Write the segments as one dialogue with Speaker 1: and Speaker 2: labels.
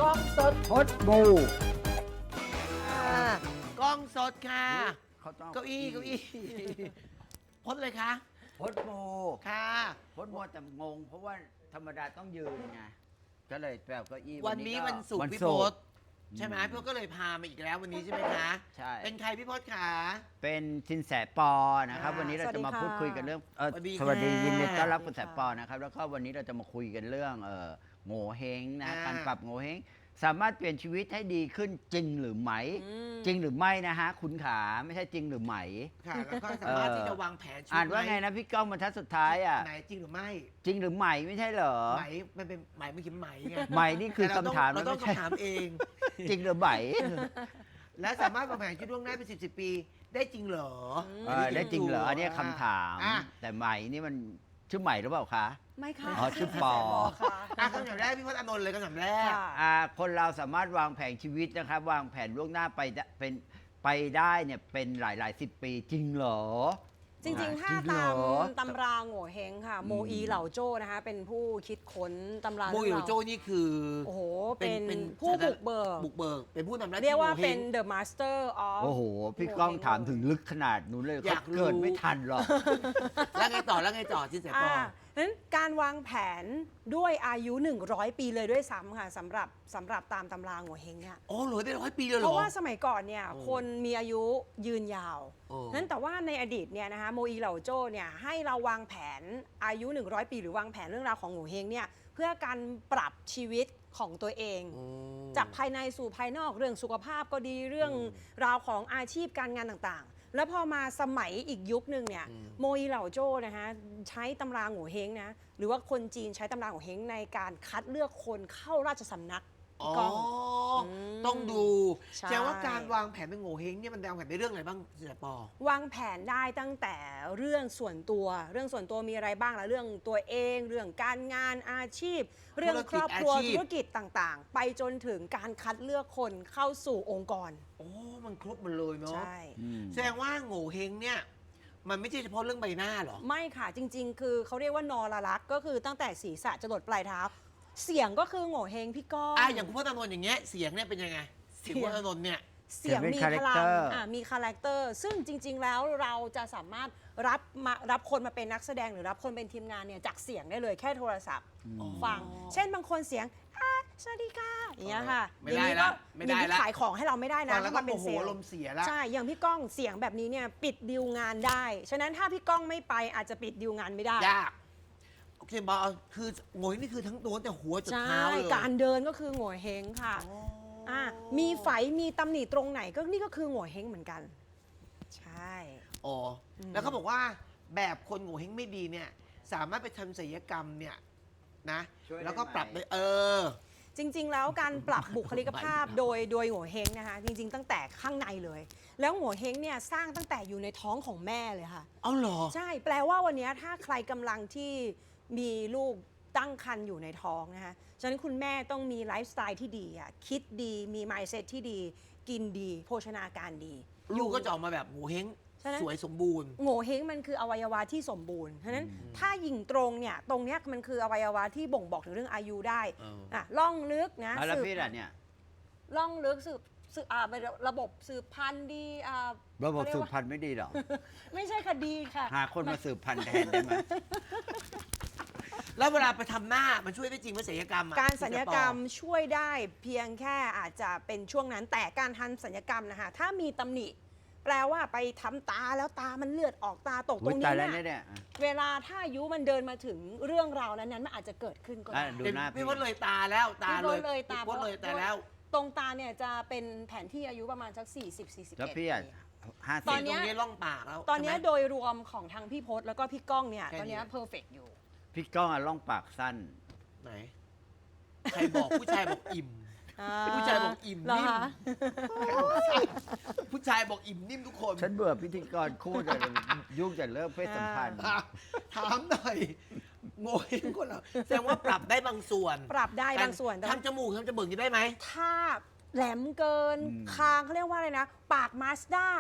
Speaker 1: กล้องสด
Speaker 2: พดบู
Speaker 1: ค่ะกล้องสดค่ะ
Speaker 2: เขาต้อง
Speaker 1: เก้าอี้พดเลยคะ
Speaker 2: พดบู
Speaker 1: ค่ะ
Speaker 2: พดบูแต่งง เพราะว่าธรรมดาต้องยืนไงก็เลยแปลเก้าอี้
Speaker 1: วันนี้วันศุกร์พี่พศใช่ไหมพี่พศก็เลยพามาอีกแล้ววันนี้ใช่ไหมคะ
Speaker 2: ใช่
Speaker 1: เป็นใครพี่พศขา
Speaker 2: เป็นสินแสปอนะครับ วันนี้เราจะมาพูดคุยกันเรื่องส
Speaker 1: สวั
Speaker 2: วัส
Speaker 1: สดี
Speaker 2: ดี
Speaker 1: ค่ะ
Speaker 2: ยินดีต้อนรับคุณแสปอนะครับแล้วก็วันนี้เราจะมาคุยกันเรื่องโง่เฮงนะการปรับโง่เฮงสามารถเปลี่ยนชีวิตให้ดีขึ้นจริงหรือไม่จริงหรือไม่นะฮะคุณขาไม่ใช่จริงหรือไม่
Speaker 1: ค่ะแล้วก็สามารถที่จะวางแผนชีวิต
Speaker 2: อ่านว่าไงนะพี่ก้องบรรทัดสุดท้ายอ่ะ
Speaker 1: ไหนจริงหรือไม่
Speaker 2: จริงหรือไม่ไม่ใช่เหรอ
Speaker 1: ไหมมันเป็นไหมไม่คิดไหมไง
Speaker 2: ไม่นี่คือ
Speaker 1: แต่
Speaker 2: คำถาม
Speaker 1: เราต้อง
Speaker 2: ไม่ใช่
Speaker 1: คำถามเอง
Speaker 2: จริงหรือไม่
Speaker 1: และสามารถวางแผนชีวิตล่วงหน้าเป็น10 ปีได้จริงเหรอ
Speaker 2: ได้จริงเหรออันนี้คำถาม
Speaker 1: อ่ะ
Speaker 2: แต่ใหม่นี่มันชื่อใหม่หรือเปล่าคะ
Speaker 3: ไม่ค่ะ
Speaker 2: อ๋อชื่อปอ
Speaker 3: ค่ะ
Speaker 1: คำถามแรกพี่พศอานนท์เลยคำถามแรก
Speaker 3: ค่ะ
Speaker 2: คนเราสามารถวางแผนชีวิตนะครับ วางแผนล่วงหน้าไปได้เนี่ยเป็นหลาย10 ปีจริงเหรอ
Speaker 3: จริงๆ ถ้า
Speaker 2: จริงเหร
Speaker 3: ตาม
Speaker 2: อ
Speaker 3: ตำราโง่เฮงค่ะ โมอีเหล่าโจ้นะคะ เป็นผู้คิดค้นตำรา
Speaker 1: โมอิโร
Speaker 3: เรื่องราว
Speaker 1: โจนี่คือ
Speaker 3: โอ้โห เป็นผู้บุกเบิก
Speaker 1: บุกเบิกเป็นผู้นำหน้าที่
Speaker 3: เรียกว่า
Speaker 1: โงฮง
Speaker 3: เป็น the master of
Speaker 2: โอ้โห พี่ก้องถามถึงลึกขนาดนู้นเลย
Speaker 1: อยาก
Speaker 2: เขาเกิด
Speaker 1: รู้
Speaker 2: ไม่ทันหรอก
Speaker 1: แล้วไงต่อที่เสียปอ
Speaker 3: นั้นการวางแผนด้วยอายุ 100 ปีเลยด้วยซ้ำค่ะสำหรับตามตำราโง่เฮงเนี่ย
Speaker 1: โอ้เหลือได้100 ปีเลยเหรอ
Speaker 3: เพราะว่าสมัยก่อนเนี่ย
Speaker 1: โอ้
Speaker 3: คนมีอายุยืนยาว
Speaker 1: โอ้
Speaker 3: นั้นแต่ว่าในอดีตเนี่ยนะคะโมอีเหล่าโจ้เนี่ยให้เราวางแผนอายุ 100 ปีหรือวางแผนเรื่องราวของโง่เฮงเนี่ยเพื่อการปรับชีวิตของตัวเอง จากภายในสู่ภายนอกเรื่องสุขภาพก็ดีเรื่องราวของอาชีพการงานต่างๆ แล้วพอมาสมัยอีกยุคนึงเนี่ยโมอีเหล่าโจ้นะคะใช้ตำราโง่เฮงนะหรือว่าคนจีนใช้ตำราโง่เฮงในการคัดเลือกคนเข้าราชสำนัก
Speaker 1: อ๋อ
Speaker 3: พี่ก้อง
Speaker 1: ต้องดู
Speaker 3: ใช่
Speaker 1: แสดงว่าการวางแผนเป็นโง่เฮงเนี่ยมันวางแผนในเรื่องอะไรบ้างเสียปอ
Speaker 3: วางแผนได้ตั้งแต่เรื่องส่วนตัวมีอะไรบ้างล่ะเรื่องตัวเองเรื่องการงานอาชีพ เรื่องครอบครัว
Speaker 1: ธุรกิจอาชีพ
Speaker 3: ธุรกิจต่างๆ ไปจนถึงการคัดเลือกคนเข้าสู่องค์กร
Speaker 1: โอ้มันครบหมดเลยเนาะ
Speaker 3: ใช่
Speaker 1: แสดงว่าโง่เฮงเนี่ยมันไม่ใช่เฉพาะเรื่องใบหน้าหรอ
Speaker 3: ไม่ค่ะจริง ๆ คือเขาเรียกว่านรลักษณ์ก็คือตั้งแต่ศีรษะจรดปลายเท้า เสียงก็คือโง่เฮงพี่ก้อง
Speaker 1: อย่างคุณพ่อตานนท์อย่างเงี้ยเสียงเนี่ยเป็นยังไงเสียงคุณพ่อตานนท์เนี่ย
Speaker 3: เสียงมีพลัง
Speaker 2: character
Speaker 3: มีคาแรคเตอร์ซึ่งจริง ๆ แล้วเราจะสามารถรับคนมาเป็นนักแสดงหรือรับคนเป็นทีมงานเนี่ยจากเสียงได้เลยแค่โทรศัพท์ฟัง เช่นบางคนเสียงสวัสดีค่ะอย่างเงี้ยค่ะ
Speaker 1: ไม่ได้
Speaker 3: อย่างนี้
Speaker 1: ละ
Speaker 3: ก็
Speaker 1: ไม่ได้ละ
Speaker 3: อย่างนี้ขายของให้เราไม่ได้
Speaker 1: ฟั
Speaker 3: นะ
Speaker 1: งแล้ว
Speaker 3: ถ้า
Speaker 1: ก็
Speaker 3: มาเป็น
Speaker 1: โมโห
Speaker 3: เซลล์
Speaker 1: ลมณ์เสียละ
Speaker 3: ใช่อย่างพี่ก้องเสียงแบบนี้เนี่ยปิดดีลงานได้ ฉะนั้นถ้าพี่ก้องไม่ไปอาจจะปิดดีลงานไม่ได้
Speaker 1: ยากโอเคบอลคือโง่เฮงนี่คือทั้งตัวแต่หัวจน
Speaker 3: ใช่
Speaker 1: เท้าเลย
Speaker 3: การเดินก็คือโง่เฮงค่ะมีไฝมีตำหนิตรงไหนก็นี่ก็คือโง่เฮงเหมือนกัน ใช่
Speaker 1: อ๋อแล้วเขาบอกว่าแบบคนโง่เฮงไม่ดีเนี่ยสามารถไปทำศัลยกรรมเนี่ยนะ
Speaker 2: ช่วยได้
Speaker 1: แล้วก็ปรับ
Speaker 2: ไหม
Speaker 1: ได้
Speaker 3: จริง ๆ แล้วการปรับบุคลิกภาพโดยโง่เฮงนะคะจริง ๆ ตั้งแต่ข้างในเลย แล้วโง่เฮงเนี่ยสร้างตั้งแต่อยู่ในท้องของแม่เลยค่ะ
Speaker 1: เอาเหรอ
Speaker 3: ใช่แปลว่าวันนี้ถ้าใครกำลังที่มีลูกตั้งครรภ์อยู่ในท้องนะคะฉะนั้นคุณแม่ต้องมีไลฟ์สไตล์ที่ดีอ่ะคิดดีมี mindset ที่ดี กินดี โภชนาการดี
Speaker 1: ลูกก็จะออกมาแบบโง่เฮง
Speaker 3: ฉะนั้น
Speaker 1: สวยสมบูรณ์
Speaker 3: โง่เฮงมันคืออวัยวะที่สมบูรณ์ฉะนั้นถ้าหยิ่งตรงเนี่ยตรงเนี้ยมันคืออวัยวะที่บ่งบอกถึงเรื่องอายุได้
Speaker 1: เออ
Speaker 3: ล่องลึกนะ
Speaker 2: แล้ว
Speaker 3: สืบ
Speaker 2: พี่ล่ะเนี่ย
Speaker 3: ล่องลึกสืบระบบสืบพันธุ์ดี
Speaker 2: ระบบ
Speaker 3: เขาเยก
Speaker 2: สืบ
Speaker 3: ว่า
Speaker 2: พันธุ์ไม่ดีหรอ
Speaker 3: ไม่ใช่คดีค่ะ
Speaker 2: หาคนมาสืบพันธุ์แทนได้ไหม
Speaker 1: แล้วเวลาไปทำหน้ามันช่วยได้จริงไหมศัลยกรรมอะ
Speaker 3: การสัญญกรรมช่วยได้เพียงแค่อาจจะเป็นช่วงนั้น แต่การทันสัญญกรรมนะคะถ้ามีตำหนิ แปลว่าไปทำตาแล้วตามันเลือดออกตาตกต
Speaker 2: อุ๊
Speaker 3: ร
Speaker 2: ย
Speaker 3: ง
Speaker 2: ตาย
Speaker 3: นี้
Speaker 2: แล้ว
Speaker 3: เนี่ย
Speaker 2: เนี่ย
Speaker 3: เวลาถ้าอายุมันเดินมาถึงเรื่องราวนั้นๆมันอาจจะเกิดขึ้นก็ได้
Speaker 2: ดู
Speaker 1: เป็น
Speaker 2: หน้า
Speaker 1: พี่พดเลยตาแล้วตา
Speaker 3: พี่
Speaker 1: เล
Speaker 3: พ
Speaker 1: ย
Speaker 3: ดเลยตา
Speaker 1: พี่พดเลยตาแล้ว
Speaker 3: ตรงตาเนี่ยจะเป็นแผนที่อายุประมาณสัก40-41
Speaker 2: แล้วพี่อ่ะ
Speaker 3: ปี
Speaker 2: 50
Speaker 3: ตอนเนี้
Speaker 1: ต
Speaker 3: ย
Speaker 1: รงนี้ร่องปากแล้ว
Speaker 3: ตอนเนี้ย
Speaker 1: ใช่ไหม
Speaker 3: โดยรวมของทางพี่พศแล้วก็พี่ก้องเนี่ย
Speaker 1: แค่นี้
Speaker 3: ตอนเนี้ยเพอร์เฟกอยู่
Speaker 2: พี่ก้องอ่ะล่องปากสั้น
Speaker 1: ไหนใครบอกผู้ชายบอกอิ่ม ผู้ชายบอกอิ่ม
Speaker 3: เหร
Speaker 1: นิ่ม
Speaker 3: คะ
Speaker 1: ผู้ชายบอกอิ่มนิ่มทุกคน
Speaker 2: ฉันเบื่อพิธีกรคู่แต่ยุ่งแต่เรื่องเพศสัมพันธ์
Speaker 1: ถามหน่อยโง่เฮงคนเราแสดงว่าปรับได้บางส่วน
Speaker 3: ปรับได้บางส่วนแต่ว่า
Speaker 1: ทำจมูกทำจมูกนี่ได้ไหม
Speaker 3: ถ้าแหลมเกิน
Speaker 2: อืม
Speaker 3: คางเขาเรียกว่าอะไรนะ ปากมาสด้า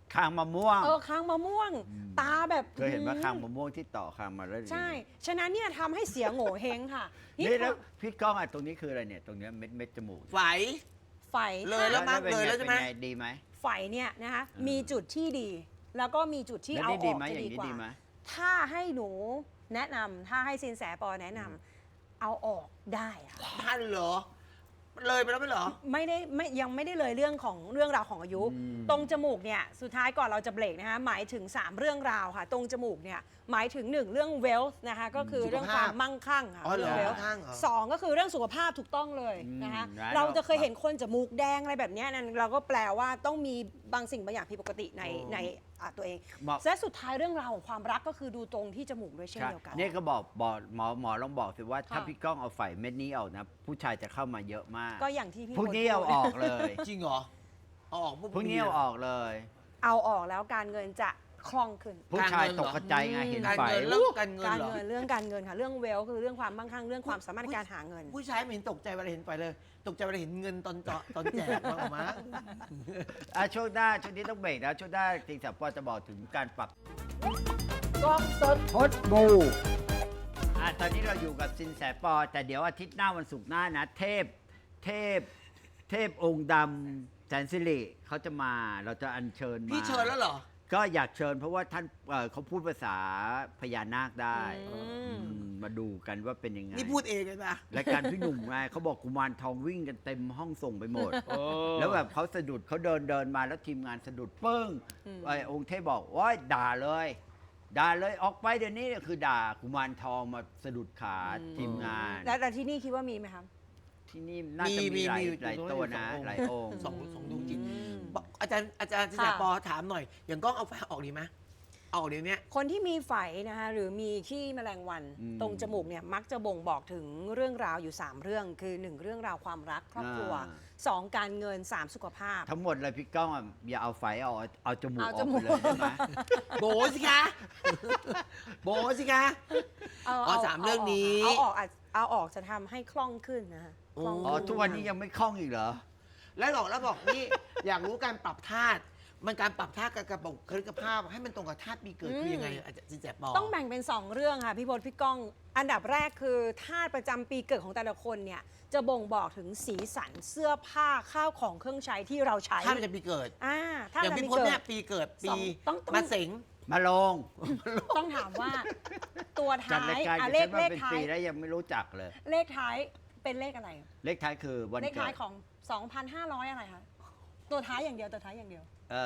Speaker 2: คางมะม่วง
Speaker 3: คางมะม่วง ตาแบบ
Speaker 2: เคยเห็นว่าคางมะม่วงที่ต่อคางมาแล้ว
Speaker 3: ใช่ ฉะนั้นเนี่ยทำให้เสียโง่เฮงค่ะ
Speaker 2: นี่แล้วพี่ก้องอ่ะตรงนี้คืออะไรเนี่ยตรงเนี้ยเม็ดจมูก
Speaker 1: ไฝ
Speaker 3: ไฝ
Speaker 1: เลยแล้วมั้ง
Speaker 2: ป็น
Speaker 1: เลยแล้วใช่ไหม
Speaker 2: เป็นงดีไหม
Speaker 3: ไฝเนี่ยนะคะมีจุดที่ดี แล้วก็มีจุดที่
Speaker 2: แล้ว
Speaker 3: เอา
Speaker 2: นี่
Speaker 3: อ
Speaker 2: ดี
Speaker 3: อก
Speaker 2: ไหม
Speaker 3: จะ
Speaker 2: อย่าง
Speaker 3: ดี
Speaker 2: นี้
Speaker 3: กว่า
Speaker 2: ดีไหม
Speaker 3: ถ้าให้หนูแนะนำถ้าให้สินแสปอแนะนำเอาออกได้ค่ะ
Speaker 1: ท่านเหรอ เลยไปแล้วไม่เหรอ
Speaker 3: ยังไม่ได้เลยเรื่องราวของอายุ ตรงจมูกเนี่ยสุดท้ายก่อนเราจะเบรกนะคะหมายถึง 3 เรื่องราวค่ะ ตรงจมูกเนี่ยหมายถึง 1 เรื่อง wealth นะคะก็คือ
Speaker 1: สุขภาพ
Speaker 3: เรื่องความมั่งคั่งค่ะ
Speaker 1: อ๋อเหรอ
Speaker 3: เรื่อง wealth
Speaker 1: มั่งคั่งเหรอ
Speaker 3: สองก็คือเรื่องสุขภาพถูกต้องเลยนะคะ
Speaker 2: ร้าน
Speaker 3: เราจะเคยเห็นคนจมูกแดงอะไรแบบเนี้ยนั่นเราก็แปลว่าต้องมีบางสิ่งบางอย่างผิดปกติในตัวเอง
Speaker 2: บอก
Speaker 3: และสุดท้ายเรื่องราวของความรักก็คือดูตรงที่จมูกด้วยเช่น
Speaker 2: ใช่
Speaker 3: เดียวกัน
Speaker 2: นี่ก็บอกหมอลองบอกสิว่าถ้า
Speaker 3: ค่ะ
Speaker 2: พี่ก้องเอาไฝเม็ดนี้ออกนะ ผู้ชายจะเข้ามาเยอะมาก
Speaker 3: ก็อย่างที่พี่
Speaker 2: พรุ่งนี้
Speaker 3: พล
Speaker 2: เอา
Speaker 3: พูด
Speaker 2: ออกเลย
Speaker 1: จริงเหรอ เอาออกปุ๊บ
Speaker 2: พรุ่งนี้เอาออกเลย
Speaker 3: เอาออกแล้วการเงินจะคล่องขึ้น
Speaker 2: ผู้ชายตกกระจายไงเห็น
Speaker 1: การ
Speaker 2: ไฝ
Speaker 1: เงินเรื่องการเงิน
Speaker 3: การ
Speaker 1: เหรอ
Speaker 3: เงินเรื่องการเงินค่ะเรื่องเวลคือเรื่องความมั่งคั่งเรื่องความสามารถในการหาเงิน
Speaker 1: ผู้ชายไม่เห็นตกใจเวลาเห็นไฟเลย ตกใจเวลาเห็นเงินตอนแจกมากมั้ง
Speaker 2: ช่วงหน้าช่วงนี้ต้องเบรกนะช่วงหน้าจริงสับปอจะบอกถึงการปรับ
Speaker 1: กล้องสด
Speaker 2: พดบูตอนนี้เราอยู่กับสินแสปอ แต่เดี๋ยวอาทิตย์หน้าวันศุกร์หน้านะ เทพองค์ดำแสนสิริเขาจะมาเราจะอัญเชิญมา
Speaker 1: พี่เชิญแล้วเหรอ
Speaker 2: ก็อยากเชิญเพราะว่าท่านเขาพูดภาษาพญานาคได้
Speaker 3: อืม
Speaker 2: มาดูกันว่าเป็นยังไง
Speaker 1: นี่พูดเองเลยนะ
Speaker 2: รายการพี่หนุ่มไงเขาบอกกุมารทองวิ่งกันเต็มห้องส่งไปหมด แล้วแบบเขาสะดุดเขาเดินมาแล้วทีมงานสะดุดปึ้งไอ้องค์เทพบอกว่าด่าเลยออกไปเดี๋ยวนี้คือด่ากุมารทองมาสะดุดขาทีมงาน
Speaker 3: แล้วที่นี่คิดว่ามีไหมครับ
Speaker 2: ที่นี่น่าจะมีหลายตัวนะหลายองค์
Speaker 1: สองดวงจิต
Speaker 3: อืม
Speaker 1: บอกอาจารย์สินแสปอถามหน่อย อย่างกล้องเอาไฟออกดีไหมเอาออกเดี๋ยวนี้
Speaker 3: คนที่มีไฝนะคะหรือมีขี้แมลงวันตรงจมูกเนี่ยมักจะบ่งบอกถึงเรื่องราวอยู่ 3 เรื่อง คือ 1 เรื่องราวความรักครอบครัว 2 การเงิน 3 สุขภาพ
Speaker 2: ทั้งหมดเลยพี่ก้องอ่ะอย่าเอาไฟเอาจมูกอ
Speaker 3: เอา
Speaker 2: อก
Speaker 3: จมู
Speaker 2: ไป
Speaker 3: ก
Speaker 2: เลยได้ไหม
Speaker 1: โบสิคะโบสิคะ เอาสามเรื่องนี้
Speaker 3: เอาออกจะทำให้คล่องขึ้นนะคะคล่อง
Speaker 2: อ๋อ
Speaker 3: ขึ้
Speaker 2: ทุกวันนี้ยังไม่คล่องอีกเหรอ
Speaker 1: แล้วบอกนี่ อยากรู้การปรับธาตุมันการปรับธาตุกับบุคลิกภาพ ให้มันตรงกับธาตุปีเกิดคือยังไงอาจารย์สินแสปอ
Speaker 3: ต้องแบ่งเป็น 2 เรื่องค่ะพี่พลพี่ก้อง อันดับแรกคือธาตุประจำปีเกิดของแต่ละคนเนี่ยจะบ่งบอกถึงสีสันเสื้อผ้าข้าวของเครื่องใช้ที่เราใช้
Speaker 1: ธาตุประจำปีเกิด
Speaker 3: ธาตุ
Speaker 1: อย่าง
Speaker 3: ประจำ
Speaker 1: พี่
Speaker 3: ปี
Speaker 1: พจน์
Speaker 3: เกิ
Speaker 1: เนี่ย
Speaker 3: ด
Speaker 1: ปีเกิดปี
Speaker 3: ต้อง
Speaker 1: มาเสง
Speaker 2: มาลง
Speaker 3: ต้องถามว่าตัว
Speaker 2: จัด
Speaker 3: ท้าร
Speaker 2: าย ยการ
Speaker 3: เล
Speaker 2: เล
Speaker 3: ข
Speaker 2: ข
Speaker 3: เลข
Speaker 2: เป็น
Speaker 3: ท้า
Speaker 2: ปี
Speaker 3: ย
Speaker 2: แล้วยังไม่รู้จักเลย
Speaker 3: เลขท้ายเป็นเลขอะไร
Speaker 2: เลขท้ายคือวัน
Speaker 3: เลข
Speaker 2: เกิ
Speaker 3: ท้าย
Speaker 2: ด
Speaker 3: ของ 2,500 อะไรคะตัวท้ายอย่างเดียวตัวท้ายอย่างเดียว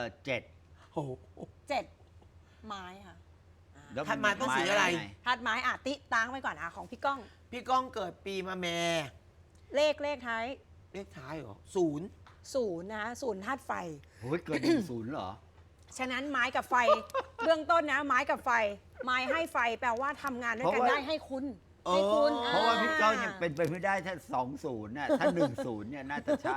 Speaker 2: 7
Speaker 1: โอ้โห
Speaker 3: 7 ไม้ค่ะ
Speaker 2: แล้ว
Speaker 1: ถัดมาต้องสีอะไร
Speaker 2: งง
Speaker 3: ธาตุไม้ติตั้งไว้ก่อนของพี่ก้อง
Speaker 1: พี่ก้องเกิดปีมาแม่
Speaker 3: เลขท้าย
Speaker 1: เลขท้ายเหรอ0
Speaker 3: 0นะคะ0ธาตุไฟ
Speaker 2: โอ้ยเกิด10เหรอ
Speaker 3: ฉะนั้นไม้กับไฟ เบื้องต้นนะไม้กับไฟ ไม้ให้ไฟแปลว่าทำงานด้วยกัน
Speaker 2: เพราะว่า
Speaker 3: ได้ให้คุณให้คุณ
Speaker 2: เพราะว่าพี่ก้องยังเป็นไปไม่ได้ถ้า20น่ะถ้า10เนี่ยน่าจะใช่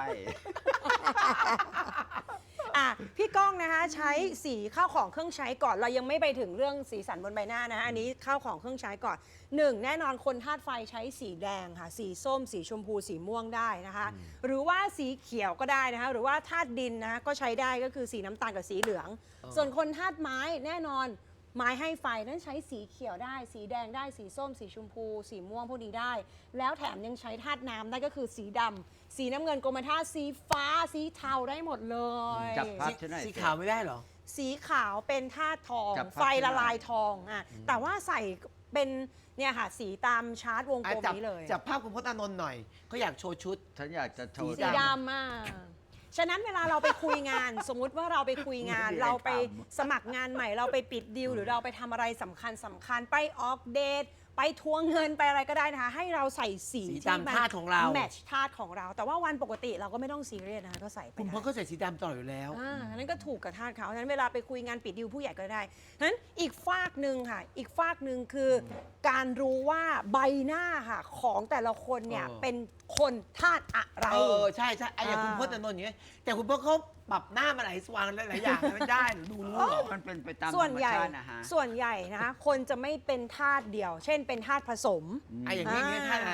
Speaker 3: พี่ก้องนะคะใช้สีข้าวของเครื่องใช้ก่อนเรายังไม่ไปถึงเรื่องสีสันบนใบหน้านะอันนี้ข้าวของเครื่องใช้ก่อน 1 แน่นอนคนธาตุไฟใช้สีแดงค่ะสีส้ม สีชมพูสีม่วงได้นะคะ หรือว่าสีเขียวก็ได้นะคะหรือว่าธาตุดินนะคะก็ใช้ได้ก็คือสีน้ำตาลกับสีเหลือง ส่วนคนธาตุไม้แน่นอนไม้ให้ไฟนั้นใช้สีเขียวได้ สีแดงได้สีส้ม สีชมพู สีม่วงพวกนี้ได้ แล้วแถมยังใช้ธาตุน้ำได้ก็คือสีดำสีน้ำเงินกรมธาตุสีฟ้าสีเทาได้หมดเลย
Speaker 2: จับภาพ ใช่ไหม
Speaker 1: สีขาวไม่ได้เหรอ
Speaker 3: สีขาวเป็นธาตุทอง
Speaker 2: จับภาพ
Speaker 3: ไฟละลายทองแต่ว่าใส่เป็นเนี่ยค่ะสีตามชาร์ตวงกลม
Speaker 1: จับ
Speaker 3: นี้เลย
Speaker 1: จับภาพคุณพจน์อานนท์หน่อยเขาอยากโชว์ชุด
Speaker 2: ฉันอยากจะโชว์
Speaker 3: สีดำฉะนั้นเวลาเราไปคุยงาน สมมุติว่าเราไปคุยงาน
Speaker 2: ไม่มีอะไร
Speaker 3: เราไป
Speaker 2: ท
Speaker 3: สมัครงานใหม่ เราไปปิดดีลหรือเราไปทำอะไรสำคัญไปออกเดทไปทวงเงินไปอะไรก็ได้นะคะ ให้เราใส่สี
Speaker 1: สี
Speaker 3: ที่
Speaker 1: ตามธาตุของเรา
Speaker 3: แมทช์ธาตุของเรา แต่ว่าวันปกติเราก็ไม่ต้องซีเรียสนะคะก็ใส่ไป
Speaker 1: คุณพ
Speaker 3: ได้
Speaker 1: จน์ก็ใส่สีดำตลอดอยู่แล้ว
Speaker 3: นั้นก็ถูกกับธาตุเขาฉะนั้นเวลาไปคุยงานปิดดีลผู้ใหญ่ก็ได้นั้นอีกฝากหนึ่งค่ะ อีกฝากหนึ่งคือการรู้ว่าใบหน้าค่ะของแต่ละคนเนี่ย
Speaker 1: เออ
Speaker 3: เป็นคนธาตุอะไร
Speaker 1: ใช่ไอ้อย่างคุณพจน์อานนท์อย่างเงี้ยแต่คุณพจน์เขาปรับหน้ามาหลายสว่างหลายอย่างไม่ได้หรือดูรู้เหรอ
Speaker 2: มันเป็นไปตามธร
Speaker 3: ส่วน
Speaker 2: รม
Speaker 3: ใหญ่
Speaker 2: ชาตินะฮะ
Speaker 3: ส่วนใหญ่นะคะคนจะไม่เป็นธาตุเดียว เช่นเป็นธาตุผสม
Speaker 1: ไอ้อย่างนี้ธาตุอะไร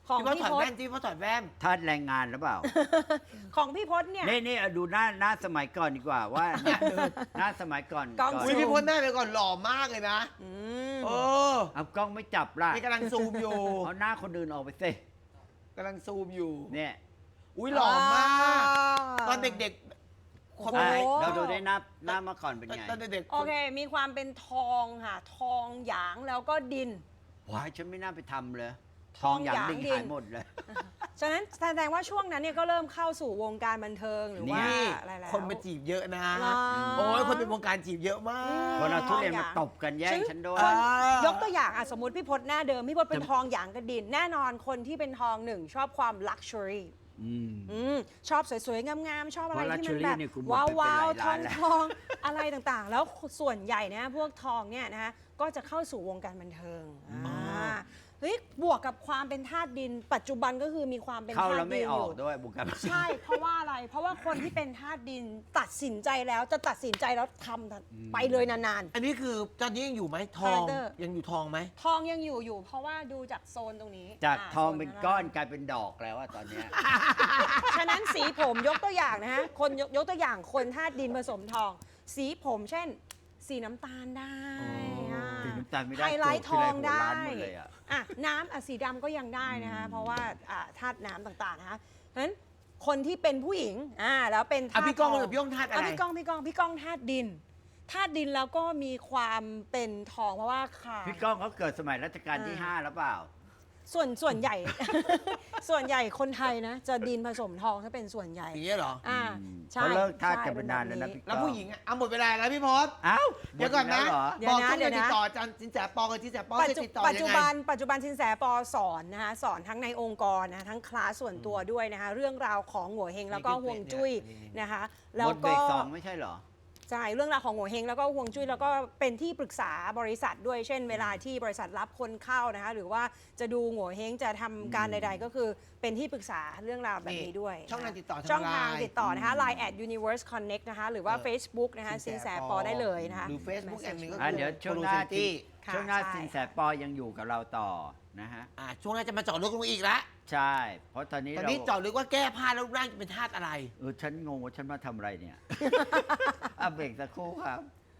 Speaker 3: ของ
Speaker 1: พี่พศ
Speaker 3: พี่
Speaker 1: ถอด
Speaker 3: พศ
Speaker 1: แว่นพี่พศถอดแว่น
Speaker 2: ทาสแรงงานหรือเปล่า
Speaker 3: ของพี่พศเนี่ย
Speaker 2: นี่ดูหน้าสมัยก่อนดีกว่าว่า หน้าสมัยก่อน
Speaker 3: กล้อง
Speaker 1: อุ้ยพี่พศหน้าไปก่อนหล่อมากเลยนะ
Speaker 3: อืม
Speaker 1: เออ
Speaker 2: เอากล้องไม่จับล่ะ
Speaker 1: นี่กำลังซูมอยู่
Speaker 2: เอาหน้าคนอื่นออกไปสิ
Speaker 1: กำลังซูมอยู่
Speaker 2: เนี่ย
Speaker 1: อุ้ยหล่อมาก ตอนเด็กๆคน
Speaker 3: โอ้
Speaker 1: ไหน
Speaker 3: โห
Speaker 2: เราดูได้หน้ามาก่อนเป็นไง
Speaker 1: ตอนเด็กๆ
Speaker 3: โอเค มีความเป็นทองค่ะ ทองหยางแล้วก็ดิน
Speaker 2: ว้ายฉันไม่น่าไปทำเลย
Speaker 3: ท
Speaker 2: ท
Speaker 3: อ
Speaker 2: อง งอย่าง
Speaker 3: หยาง
Speaker 2: ดิ่ง
Speaker 3: ดิน
Speaker 2: หายหมดเลย
Speaker 3: ฉะนั้นแสดงว่าช่วงนั้นเนี่ยก็เริ่มเข้าสู่วงการบันเทิงหรือว่า
Speaker 1: นี่
Speaker 3: อะไรแล้ว
Speaker 1: คนมาจีบเยอะนะ
Speaker 3: เหรอ
Speaker 1: โอ้ยคนเป็นวงการจีบเยอะมาก
Speaker 2: คนเอาทุเรียนมาตบกันแย่งฉันด้วย
Speaker 3: คน
Speaker 1: อ่าย
Speaker 3: ยกตัวอย่างสมมติพี่พศหน้าเดิม พี่พศเป็นทองหยางกับดิน แน่นอนคนที่เป็นทองหนึ่งชอบความลักชัวรี่ ชอบสวยๆ งามๆ ชอบอะไรที่มันแบบ
Speaker 2: เพราะ luxury เนี่ยกูหมด
Speaker 3: ว้า
Speaker 2: ไป
Speaker 3: ว
Speaker 2: เป็นหลาย
Speaker 3: ๆท
Speaker 2: ล้า
Speaker 3: อน ง
Speaker 2: แล้ว
Speaker 3: ทองอะไรต่างๆ แล้วส่วนใหญ่นะพวกทองเนี่ยนะก็จะเข้าสู่วงการบันเทิงเฮ้ยบวกกับความเป็นธาตุดิน ปัจจุบันก็คือมีความเป็น
Speaker 2: เข้า
Speaker 3: ธา
Speaker 2: แล้
Speaker 3: ตุ
Speaker 2: ว
Speaker 3: ดิ
Speaker 2: ไม่
Speaker 3: น
Speaker 2: อ
Speaker 3: อ
Speaker 2: อก
Speaker 3: ยู่
Speaker 2: ด้วยบุกกัน
Speaker 3: ใช่ เพราะว่าอะไร เพราะว่าคนที่เป็นธาตุดินตัดสินใจแล้วจะตัดสินใจแล้วทำไปเลยนาน
Speaker 1: อันนี้คือตอนนี้ยังอยู่ไหมทอง
Speaker 3: Character
Speaker 1: ยังอยู่ทองไหม
Speaker 3: ๆ ทองยังอยู่ เพราะว่าดูจากโซนตรงนี้
Speaker 2: จากทอง
Speaker 3: โซ
Speaker 2: เป็น
Speaker 3: ข้าล่าง
Speaker 2: ก้อนกลายเป็นดอกแล้วอะตอนเนี้ย
Speaker 3: ฉะนั้นสีผมยกตัวอย่างนะฮะ คนยกตัวอย่างคนธาตุดินผสมทอง สีผมเช่น สีน้ำตาลได้
Speaker 1: อ๋อ
Speaker 2: สีน้ำตาลไม่ได้
Speaker 3: ไฮไลท์ทองได้
Speaker 2: โกรธทีไรหัวล้านหมดเลยอะ
Speaker 3: น้ำสีดำก็ยังได้นะคะเพราะว่าธาตุน้ำต่างๆนะคะฉะนั้นคนที่เป็นผู้หญิงแล้วเป็นธา
Speaker 1: อ่ะ
Speaker 3: ตุ
Speaker 1: พี่ก้อง
Speaker 3: ท
Speaker 1: กับพี่ก้องธาตุอะไร
Speaker 3: พี่ก้องธาตุดินธาตุดินแล้วก็มีความเป็นทองเพราะว่าขา
Speaker 2: พี่ก้องเขาเกิดสมัยรัชกาลที่ 5 แล้วเปล่า
Speaker 3: ส่วนใหญ่ ส่วนใหญ่คนไทยนะจะดินผสมทองถ้าเป็นส่วนใหญ่
Speaker 1: อย่างเงี้ยเหรอ
Speaker 3: ใช่
Speaker 2: เขาเลิกทาส
Speaker 3: ใช่
Speaker 2: กันไปนานแล้วนะ
Speaker 3: เป็
Speaker 2: พี่
Speaker 1: แล้วผู้หญิงอ่ะเอาหมดเวลาแล้วพี่พศ
Speaker 2: อ้าว
Speaker 1: เดี๋ยวก่อนนะ
Speaker 2: หมดแล้วเหรอ
Speaker 3: เดี๋ยว
Speaker 1: บอก
Speaker 3: นะ
Speaker 1: ต้อง
Speaker 3: เดี๋ยว
Speaker 1: ติ
Speaker 3: นะ
Speaker 1: ดต่ออาจารย์สินแสปอกับสินแสปอจะติดต่อ
Speaker 3: ปัจ
Speaker 1: ยั
Speaker 3: จุ
Speaker 1: งไง
Speaker 3: บันสินแสปอสอนนะคะสอนทั้งในองค์กรนะทั้งคลาสส่วนตัวด้วยนะคะเรื่องราวของหัวเฮงแล้วก็
Speaker 1: นี่คือ
Speaker 3: ห่วงจุ้ย
Speaker 1: นี่
Speaker 3: นะคะ
Speaker 2: ห
Speaker 3: แล้
Speaker 2: ม
Speaker 3: ว
Speaker 2: ดเบร
Speaker 3: ก็
Speaker 2: ก2ไม่ใช่เหรอ
Speaker 3: ใช่เรื่องราวของหัวเฮงแล้วก็ห่วงจุ้ยแล้วก็เป็นที่ปรึกษาบริษัทด้วยเช่น เวลาที่บริษัทรับคนเข้านะคะหรือว่าจะดูหัวเฮงจะทำการใด ๆ ก็คือเป็นที่ปรึกษาเรื่องราวแบบนี้ด้วย
Speaker 1: ช่องทางติดต่อทาง
Speaker 3: ช่องทาง
Speaker 1: Line
Speaker 3: ติดต่อนะคะ Line @Universe Connect นะคะหรือว่า Facebook นะคะสินแสปอได้เลยนะคะ
Speaker 1: หรือ Facebook อันหนึงก็
Speaker 2: อ่ะ
Speaker 1: คือ
Speaker 2: เดี๋ยวช่วงหน้า
Speaker 1: Curiosity
Speaker 3: ค่ะ
Speaker 2: ช่วงหน้า
Speaker 3: ใช่
Speaker 2: สินแสปอยังอยู่กับเราต่อนะฮะ
Speaker 1: ช่วงหน้าจะมาเจาะลึกลงอีกละ
Speaker 2: ใช่ เพราะตอนนี้
Speaker 1: ตอน
Speaker 2: เรา
Speaker 1: นี้เจาะลึกว่าแก้ผ้าแล้วรูปร่างจะเป็นธาตุอะไร
Speaker 2: ฉันงงว่าฉันมาทำอะไรเนี่ย อ่ะเบรกสักครู่ครับ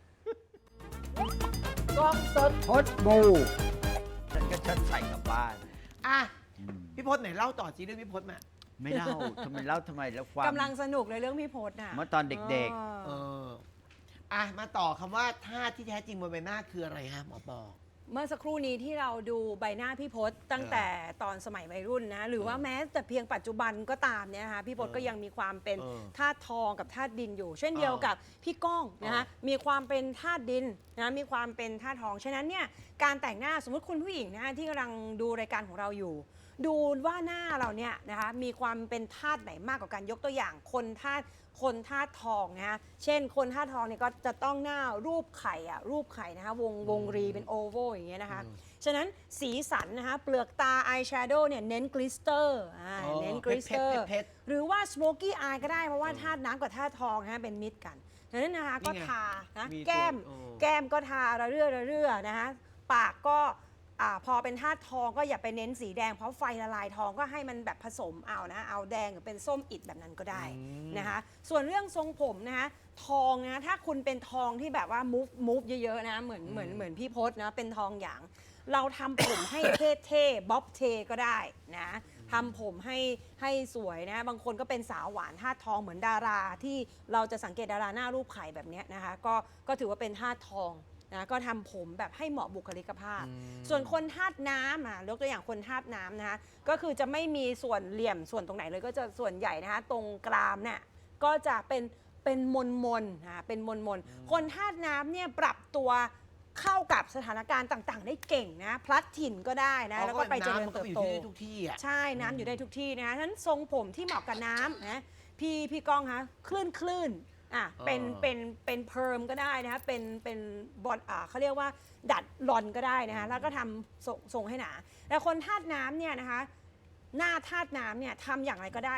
Speaker 2: กล้องสดพดบูฉันก็ฉันใส่กลับบ้าน
Speaker 1: อ่ะ
Speaker 2: อืม
Speaker 1: พี่พศไหนเล่าต่อจีเรื่องพี่พศมา
Speaker 2: ไม่เล่าทำไมเล่าทำไมแล้วความ
Speaker 3: กำลังสนุกเลยเรื่องพี่พศน่ะ
Speaker 2: เมื่อตอนเด็ก
Speaker 1: เออมาต่อคำว่าธาตุที่แท้จริงบนใบหน้าคืออะไรฮะหมอปอ
Speaker 3: เมื่อสักครู่นี้ที่เราดูใบหน้าพี่พศตั้งแต่ตอนสมัยวัยรุ่นนะหรือว่าแม้แต่เพียงปัจจุบันก็ตามเนี่ยนะคะพี่พศก็ยังมีความเป็น
Speaker 1: เออ
Speaker 3: ธาตุทองกับธาตุดินอยู่ เช่นเดียวกับพี่ก้องนะคะมีความเป็นธาตุดินนะมีความเป็นธาตุทองฉะนั้นเนี่ยการแต่งหน้าสมมติคุณผู้หญิงนะคะที่กำลังดูรายการของเราอยู่ ดูว่าหน้าเราเนี่ยนะคะมีความเป็นธาตุไหนมากกว่ากันยกตัวอย่างคนธาตุทองนะคะเช่นคนธาตุทองเนี่ยก็จะต้องหน้ารูปไข่รูปไข่นะคะวงรีเป็นโอเวลอย่างเงี้ยนะคะฉะนั้นสีสันนะคะเปลือกตาอายแชโดว์เนี่ยเน้นกลิสเตอร์เน้นกลิสเตอร์
Speaker 1: เพชร
Speaker 3: หรือว่าสโมกี้อายก็ได้เพราะว่าธาตุน้ำกับธาตุทองนะคะเป็นมิตรกันฉะนั้นนะคะ
Speaker 1: นี่
Speaker 3: ก็
Speaker 1: ไง
Speaker 3: ทานะ
Speaker 1: มี
Speaker 3: แก้ม
Speaker 1: ตัว
Speaker 3: แก้มก็ทาระเรื่อนะคะปากก็พอเป็นธาตุทองก็อย่าไปเน้นสีแดงเพราะไฟละลายทองก็ให้มันแบบผสมเอานะเอาแดงหรือเป็นส้มอิดแบบนั้นก็ได้นะคะส่วนเรื่องทรงผมนะคะทองนะถ้าคุณเป็นทองที่แบบว่า move เยอะๆนะเหมือนพี่พศนะเป็นทองหยางเราทำผมให้เท่ๆบ๊อบเทก็ได้นะทำผมให้สวยนะบางคนก็เป็นสาวหวานธาตุทองเหมือนดาราที่เราจะสังเกตดาราหน้ารูปไข่แบบเนี้ยนะคะก็ถือว่าเป็นธาตุทองนะก็ทำผมแบบให้เหมาะบุคลิกภาพ ส่วนคนธาตุน้ำยกตัวอย่างคนธาตุน้ำนะคะก็คือจะไม่มีส่วนเหลี่ยมส่วนตรงไหนเลยก็จะส่วนใหญ่นะคะตรงกรามเนี่ยก็จะเป็นมนเป็นมนคนธาตุน้ำเนี่ยปรับตัวเข้ากับสถานการณ์ต่างๆ ได้เก่งนะพลัดถิ่นก็ได้นะแล้วก็ไปเจริญเติบโต
Speaker 1: น้ำมันก็อยู่ที่ทุกที่อ่ะ
Speaker 3: ใช่น้ำอยู่ได้ทุกที่นะคะฉะนั้นทรงผมที่เหมาะกับน้ำนะพี่ก้องคะคลื่นเป็นเพิร์มก็ได้นะคะเป็นบอลเขาเรียกว่าดัดลอนก็ได้นะคะแล้วก็ทำทรงให้หนาแต่คนธาตุน้ำเนี่ยนะคะหน้าธาตุน้ำเนี่ยทำอย่างไรก็ได้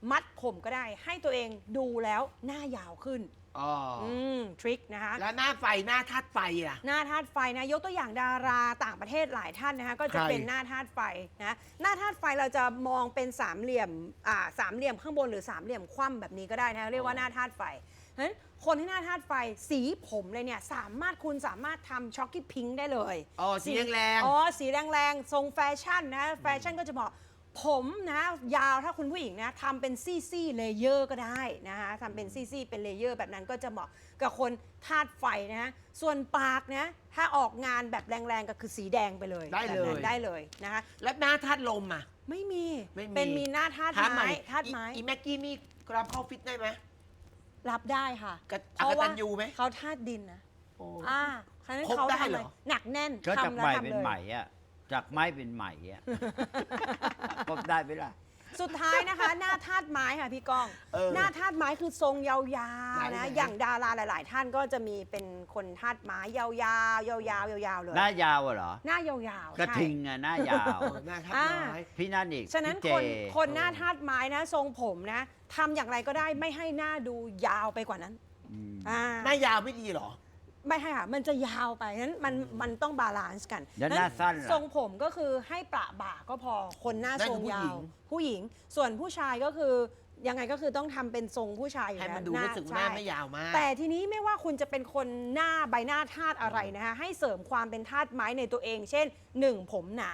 Speaker 3: มัดผมก็ได้ให้ตัวเองดูแล้วหน้ายาวขึ้น
Speaker 1: อ๋อ
Speaker 3: ทริคนะคะ
Speaker 1: แล้วหน้าไฟหน้าธาตุไฟอ่ะ
Speaker 3: หน้าธาตุไฟนะยกตัวอย่างดาราต่างประเทศหลายท่านนะคะก็จะ
Speaker 1: ใคร
Speaker 3: เป็นหน้าธาตุไฟนะหน้าธาตุไฟเราจะมองเป็นสามเหลี่ยมสามเหลี่ยมข้างบนหรือสามเหลี่ยมคว่ำแบบนี้ก็ได้นะเรียกว่าหน้าธาตุไฟเพราะฉะนั้นคนที่หน้าธาตุไฟสีผมเลยเนี่ยคุณสามารถทำช็อกกี้พิงค์ได้เลย
Speaker 1: อ๋อสีแรงๆ
Speaker 3: อ๋อสีแรงๆทรงแฟชั่นนะแฟชั่นก็จะบอกผมนะยาวถ้าคุณผู้หญิงนะทำเป็นซี่เลเยอร์ก็ได้นะคะทำเป็นซี่เป็นเลเยอร์แบบนั้นก็จะเหมาะกับคนธาตุไฟนะส่วนปากนะถ้าออกงานแบบแรงๆก็คือสีแดงไปเลย
Speaker 1: ได้เลย
Speaker 3: แบบนั้นได้เลยนะคะ
Speaker 1: แล้วหน้าธาตุลมอ่ะ
Speaker 3: ไม่มี
Speaker 1: ไม่มี
Speaker 3: เป็นมีหน้าธาตุ
Speaker 1: ถามหน่
Speaker 3: ไม้
Speaker 1: อย
Speaker 3: ธาตุไม้
Speaker 1: อีแม็กกี้นี่รับเข้าฟิตได้ไหม
Speaker 3: รับได้ค่ะ
Speaker 1: กระ
Speaker 3: เพราะ
Speaker 1: กตั
Speaker 3: ว่า
Speaker 1: ญญูไหม
Speaker 3: เขาธาตุดินนะ
Speaker 1: โอ้
Speaker 3: ฉะนั้น
Speaker 1: ครบ
Speaker 3: เขา
Speaker 1: ได้
Speaker 3: ทำ
Speaker 1: เห
Speaker 3: เล
Speaker 1: ร
Speaker 3: ย
Speaker 1: อ
Speaker 3: หนักแน่น
Speaker 2: ก็จาก
Speaker 3: ทำแล้ว
Speaker 2: ใหม่
Speaker 3: ทำ
Speaker 2: เป็น
Speaker 3: เลย
Speaker 2: ใหม่อะจากไม้เป็นใหม่อะ ครบได้ไหมล่ะ
Speaker 3: สุดท้ายนะคะ หน้าธาตุไม้ค่ะพี่ก้อง
Speaker 1: เออ
Speaker 3: หน้าธาตุไม้คือทรงยาว
Speaker 1: ไหน
Speaker 3: ๆนะ
Speaker 1: ไหน
Speaker 3: อย่างดาราหลาย ๆ ท่านก็จะมีเป็นคนธาตุไม้ยาวๆยาวๆเลย
Speaker 2: หน้ายาวอะเหรอ
Speaker 3: หน้ายาวๆ
Speaker 2: กระ
Speaker 3: ใช่
Speaker 2: ทิงอะหน้ายาว
Speaker 1: เออหน้าธาตุไม้
Speaker 2: พี่นั่นอีก
Speaker 3: ฉะนั้น
Speaker 2: พี่เจ
Speaker 3: คนหน้าธาตุไม้นะทรงผมนะทำอย่างไรก็ได้ไม่ให้หน้าดูยาวไปกว่านั้น
Speaker 2: อืม
Speaker 1: หน้ายาวไม่ดีเหรอ
Speaker 3: ไม่ให้ค่ะมันจะยาวไปฉะนั้นมันต้องบาลานซ์กัน
Speaker 2: แล้วหน้าสั้นล่ะ
Speaker 3: ทรงผมก็คือให้ประบ่าก็พอคนหน้า
Speaker 1: นั่น
Speaker 3: ท
Speaker 1: คื
Speaker 3: ร
Speaker 1: อง ผู้
Speaker 3: ยา
Speaker 1: หญิ
Speaker 3: ว
Speaker 1: ง
Speaker 3: ผู้หญิง ส่วนผู้ชายก็คือยังไงก็คือต้องทำเป็นทรงผู้ชายอยู่
Speaker 1: ให้
Speaker 3: แล้ว
Speaker 1: มันดูรู้สึกว่าห
Speaker 3: ใช่
Speaker 1: น้าไม่ยาวมาก
Speaker 3: แต่ทีนี้ไม่ว่าคุณจะเป็นคนหน้าใบหน้าธาตุอะไรนะคะให้เสริมความเป็นธาตุไม้ในตัวเอง เช่น 1 ผมหนา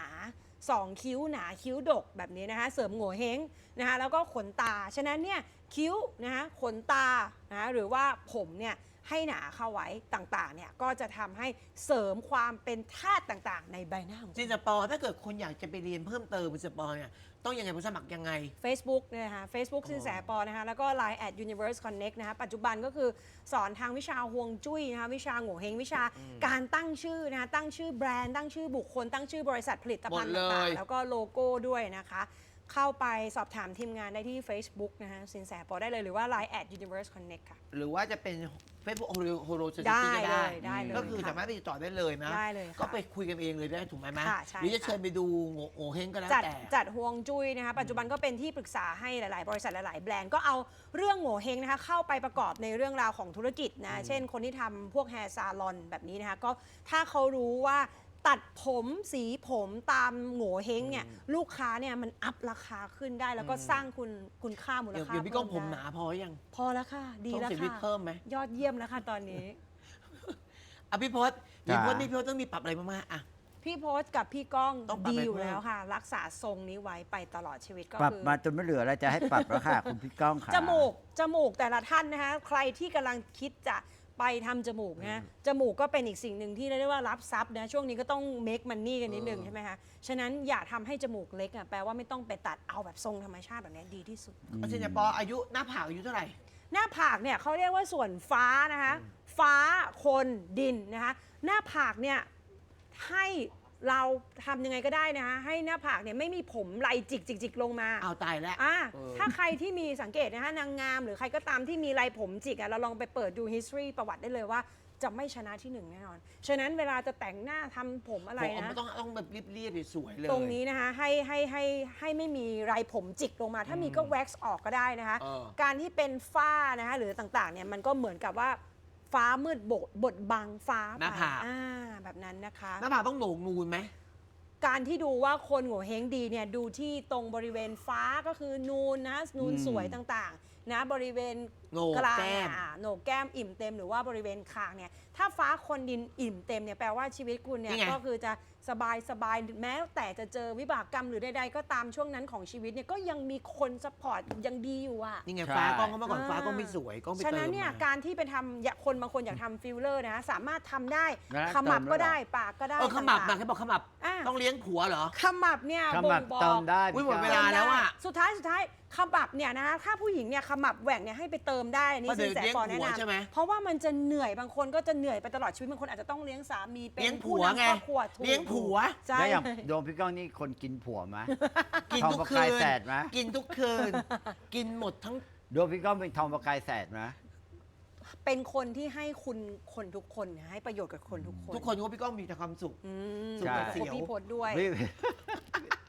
Speaker 3: 2 คิ้วหนาคิ้วดกแบบนี้นะคะเสริมโง่เฮงนะคะแล้วก็ขนตาฉะนั้นเนี่ยคิ้วนะคะขนตานะหรือว่าผมเนี่ยให้หนาเข้าไว้ต่างๆเนี่ยก็จะทำให้เสริมความเป็นธาตุต่างๆ ในใบหน้าของ
Speaker 1: จินสปอร์ถ้าเกิดคนอยากจะไปเรียนเพิ่มเติมจินสปอร์เนี่ยต้องยังไงผมสมัครยังไง
Speaker 3: Facebook เนี่ยนะคะ Facebook
Speaker 1: อ๋อ
Speaker 3: สินแสปอนะคะแล้วก็ Line @Universe Connect นะคะปัจจุบันก็คือสอนทางวิชาฮวงจุ้ยนะคะวิชาโง่เฮงวิชาการตั้งชื่อนะคะตั้งชื่อแบรนด์ตั้งชื่อบุคคลตั้งชื่อบริษัทผลิตภัณฑ์
Speaker 1: หมดเลย
Speaker 3: ต่างๆแล้วก็โลโก้ด้วยนะคะ เข้าไปสอบถามทีมงานได้ที่ Facebook นะคะสินแสปอได้เลยหรือว่า Line @Universe Connect ค่ะ
Speaker 1: หรือว่าจะเป็น Facebook โฮโลซิ
Speaker 3: ได้
Speaker 1: ตี้ก็ได้
Speaker 3: เลยได้เลย
Speaker 1: ก็คือ
Speaker 3: ค่ะ
Speaker 1: สามารถไปติดต่อได้เลยนะ
Speaker 3: ได้เลยค่ะ
Speaker 1: ก็ไปคุยกันเองเลยได้ถูกไหมแม่
Speaker 3: ค่ะใช่
Speaker 1: หรือจะ
Speaker 3: ค่ะ
Speaker 1: เชิญไปดูโง่เฮงก็แล้ว
Speaker 3: จัด
Speaker 1: แต่
Speaker 3: จัดฮวงจุ้ยนะคะปัจจุบันก็เป็นที่ปรึกษาให้หลาย ๆ บริษัทหลาย ๆ แบรนด์ก็เอาเรื่องโง่เฮงนะคะเข้าไปประกอบในเรื่องราวของธุรกิจนะเช่นคนที่ทำพวกแฮร์ซาลอนแบบนี้นะคะก็ถ้าเขารู้ว่าตัดผมสีผมตามโง่เฮงเนี่ยลูกค้าเนี่ยมันอัพราคาขึ้นได้ แล้วก็สร้างคุณค่ามูล
Speaker 1: เดี๋ยว
Speaker 3: ค่า
Speaker 1: เดี๋ยวพี่ก้องผม
Speaker 3: เพิ่
Speaker 1: ห
Speaker 3: ได้
Speaker 1: นาพอยัง
Speaker 3: พอแล้วค่ะ ดี
Speaker 1: ต้อง
Speaker 3: แล้ว
Speaker 1: เสียวิก
Speaker 3: ค่ะ
Speaker 1: เพิ่มไหม
Speaker 3: ยอดเยี่ยมแล้วค่ะตอนนี้
Speaker 1: อ่ะพี่พศพี่พศนี่พี่พศต้องมีปรับอะไรมากๆอ่ะ
Speaker 3: พี่โพสต์กับพี่ก้อง
Speaker 1: ต้องปรับ
Speaker 3: ดี
Speaker 1: ไป
Speaker 3: อยู่
Speaker 1: เพิ่ม
Speaker 3: แล้วค่ะ รักษาทรงนี้ไว้ไปตลอดชีวิตก็
Speaker 2: ปรับ
Speaker 3: คือ
Speaker 2: มาจนไม่เหลือแล้วจะให้ปรับแล้วค่ะ คุณพี่ก้องค่ะ
Speaker 3: จมูกแต่ละท่านนะคะใครที่กำลังคิดจะไปทำจมูกนะจมูกก็เป็นอีกสิ่งหนึ่งที่เรียกได้ว่ารับทรัพย์นะช่วงนี้ก็ต้อง make money กันนิดนึงใช่ไหมคะฉะนั้นอย่าทำให้จมูกเล็กอ่ะแปลว่าไม่ต้องไปตัดเอาแบบทรงธรรมชาติแบบนี้ดีที่สุด
Speaker 1: อาจารย์ปออายุหน้าผากอายุเท่าไหร่
Speaker 3: หน้าผากเนี่ยเขาเรียกว่าส่วนฟ้านะคะฟ้าคนดินนะคะหน้าผากเนี่ยให้เราทำยังไงก็ได้นะคะให้หน้าผากเนี่ยไม่มีผมไหลจิกลงมา
Speaker 1: เอาตายแล้ว
Speaker 3: ถ้าใครที่มีสังเกตนะคะนางงามหรือใครก็ตามที่มีลายผมจิกเราลองไปเปิดดู history ประวัติได้เลยว่าจะไม่ชนะที่หนึ่งแน่นอน ฉะนั้นเวลาจะแต่งหน้าทำผมอะไร
Speaker 1: ผม
Speaker 3: นะ
Speaker 1: ต้องแบบเรียบๆสวยๆเลย
Speaker 3: ตรงนี้นะคะให้ไม่มีลายผมจิกลงมา ถ้ามีก็แว็กซ์ออกก็ได้นะคะ
Speaker 1: เออ
Speaker 3: การที่เป็นฝ้านะคะหรือต่างๆเนี่ยมันก็เหมือนกับว่าฟ้ามืดบดบังฟ้า
Speaker 1: หน้าผาก
Speaker 3: แบบนั้นนะคะ
Speaker 1: หน้าผากต้องโหนกนูนไหม
Speaker 3: การที่ดูว่าคนโง่เฮงดีเนี่ยดูที่ตรงบริเวณฟ้าก็คือนูนนะนูนสวยต่างๆนะบริเวณ
Speaker 1: โหนก
Speaker 3: กลาง
Speaker 1: แก้ม
Speaker 3: โหนกแก้มอิ่มเต็มหรือว่าบริเวณคางเนี่ยถ้าฟ้าคนดินอิ่มเต็มเนี่ยแปลว่าชีวิตคุณเนี่ย
Speaker 1: นี่ไง
Speaker 3: ก็คือจะสบายแม้แต่จะเจอวิบากกรรมหรือใดๆก็ตามช่วงนั้นของชีวิตเนี่ยก็ยังมีคนซัพพอร์ตยังดีอยู่อะ
Speaker 1: นี่ไง
Speaker 2: ใช่
Speaker 1: ฟ้ากล้องก็เมื่อก่อนฟ้ากล้องไม่สวยกล้องไป
Speaker 3: ฉะ
Speaker 1: เติ
Speaker 3: นั้น
Speaker 1: ม
Speaker 3: เนี่ย
Speaker 1: มา
Speaker 3: การที่ไปทำคนบางคนอยากทำฟิลเลอร์นะสามารถทำได้
Speaker 2: แล้ว
Speaker 3: ขมับ
Speaker 2: เติม
Speaker 3: ก็
Speaker 2: ด้วยเหรอ
Speaker 3: ได้ปากก็ได้
Speaker 1: ขมับ
Speaker 3: ต่า
Speaker 1: นะ
Speaker 3: ง
Speaker 1: เขาบอกขมับ
Speaker 3: ๆอ่ะ
Speaker 1: ต้องเลี้ยงผัวเหรอ
Speaker 3: ขมับเนี่ย
Speaker 2: ข
Speaker 3: บ่
Speaker 2: มั
Speaker 3: ง
Speaker 2: บ
Speaker 3: บอก
Speaker 2: เติมได้
Speaker 1: อุ๊ยหมด
Speaker 2: พี่
Speaker 1: เว
Speaker 2: ก้อง
Speaker 1: ลาแล้วอะ
Speaker 3: สุดท้ายขมับเนี่ยนะถ้าผู้หญิงเนี่ยขมับแหว่งเนี่ยให้ไปเติมได้อันนี่
Speaker 1: เพราะ
Speaker 3: สินแส
Speaker 1: เดี๋ยว
Speaker 3: ก่อน
Speaker 1: เลี้
Speaker 3: แนะ
Speaker 1: ยงผัวใช่ไหม
Speaker 3: นำเพราะว่ามันจะเหนื่อยบางคนก็จะเหนื่อยไปตลอดชีวิตบางคนอาจจะต้องเลี้ยงสามีเป็น
Speaker 1: เลี้ยงผั
Speaker 3: ผู้
Speaker 1: วน
Speaker 3: ำ
Speaker 1: ไง
Speaker 3: ครอบครัวถูก
Speaker 1: เลี้ยงผัว
Speaker 3: ใช่
Speaker 2: แล้วอย่างโดมพี่ก้องนี่คนกินผัวไหม
Speaker 1: กิน
Speaker 2: ทอง
Speaker 1: ทุก
Speaker 2: ประ
Speaker 1: คื
Speaker 2: กาย
Speaker 1: น
Speaker 2: แสดไหม
Speaker 1: กินทุกคืน กินหมดทั้ง
Speaker 2: โดมพี่ก้องเป็นทองประกายแสดไหม
Speaker 3: เป็นคนที่ให้คุณคนทุกคนให้ประโยชน์กับคนทุกคน
Speaker 1: ทุกคนก็พี่ก้องมีแต่ความสุข
Speaker 3: อืม
Speaker 1: สุข
Speaker 2: ใช่
Speaker 1: เสียว
Speaker 3: พี่พดด้วย
Speaker 2: พี่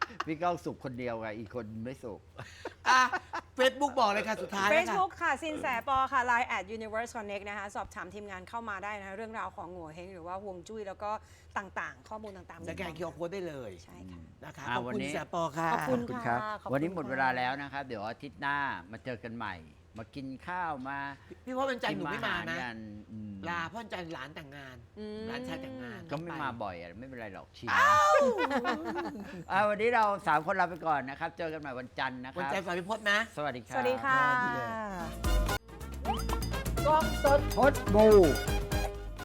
Speaker 2: พี่ก้องสุขคนเดียวไงอีกคนไม่สุข
Speaker 1: เฟซบุ๊กบอกเลยค่ะสุดท้ายแล้วค่ะ
Speaker 3: Facebook ค่ะสินแสปอค่ะ Line @Universe Connect นะคะสอบถามทีมงานเข้ามาได้นะคะเรื่องราวของโง่เฮงหรือว่าฮวงจุ้ยแล้วก็ต่างๆ ข้อมูลต่างๆ
Speaker 1: สแกนคิวอาร์โค้ดได้เลย
Speaker 3: ใช่ค่ะ
Speaker 1: นะคะ
Speaker 2: อ่า
Speaker 1: ขอบ
Speaker 2: วัน
Speaker 1: คุณ
Speaker 2: นี้
Speaker 1: แสปอค่ะ
Speaker 3: ขอบคุณ
Speaker 2: ขอบคุณครับ
Speaker 3: ค่ะขอบคุณ
Speaker 2: วันนี้หมด
Speaker 3: ค่ะ
Speaker 2: เวลาแล้วนะครับ เดี๋ยวอาทิตย์หน้ามาเจอกันใหม่ มากินข้าวมา
Speaker 1: พี่พ่อวันจันทร์หนูไม่มา
Speaker 2: ชิ
Speaker 1: นะ
Speaker 2: อาหารกันอืม
Speaker 1: ลาเพ่อวันจันทร์หลานแต่งงาน
Speaker 3: อืม
Speaker 1: หลานชายแต่งงาน
Speaker 2: ก็ไม่มาบ่อยอะไม่เป็นไรหรอกชิมวันนี้เรา3คนลาไปก่อนนะครับ เจอกันใหม่วันจันทร์นะค
Speaker 1: วัน
Speaker 2: รับ
Speaker 1: จันทร์ฝากพี่พจน์นะ
Speaker 2: สวัสดีครับ
Speaker 3: สวัสดีค่ะ
Speaker 1: ดีเลย
Speaker 2: กล้องสดพดบู